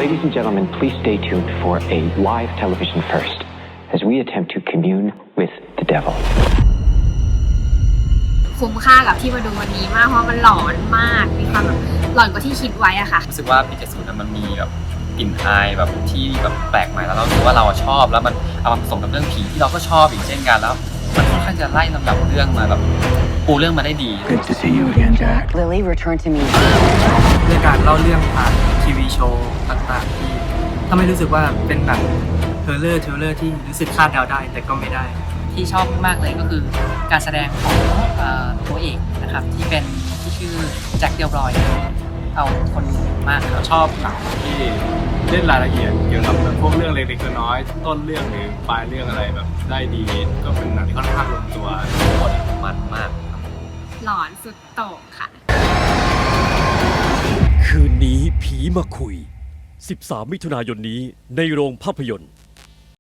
Ladies and gentlemen, please stay tuned for a live television first as we attempt to commune with the devil. คุ้มค่ากับที่มาดูวันนี้มากเพราะมันหลอนมากมีความแบบหลอนกว่าที่คิดไว้อะค่ะรู้สึกว่าปี70มันมีแบบกลิ่นอายแบบที่แบบแปลกใหม่แล้วเรารู้ว่าเราชอบแล้วมันเอามาผสมกับเรื่องผีที่เราก็ชอบอีกเช่นกันแล้วมันค่อนข้างจะไล่ลำดับเรื่องมาแบบปูเรื่องมาได้ดี Good to see you again, Jack. Lily returned to me. เรื่องการเล่าเรื่องผ่านทีวีโชว์ต่างๆที่ถ้าไม่รู้สึกว่าเป็นหนังเทเลอร์ที่รู้สึกคาดเดาได้แต่ก็ไม่ได้ที่ชอบมากเลยก็คือการแสดงของตัวเอกนะครับที่ชื่อแจ็คเดลรอยเอาคนมากครับชอบหนังที่เล่นรายละเอียดเกี่ยวกับพวกเรื่องเล็กๆน้อยๆต้นเรื่องหรือปลายเรื่องอะไรแบบได้ดีก็เป็นหนังที่ค่อนข้างลงตัวหมดมันมากหลอนสุดโต่งค่ะคืนนี้ผีมาคุย13 มิถุนายนนี้ในโรงภาพยนตร์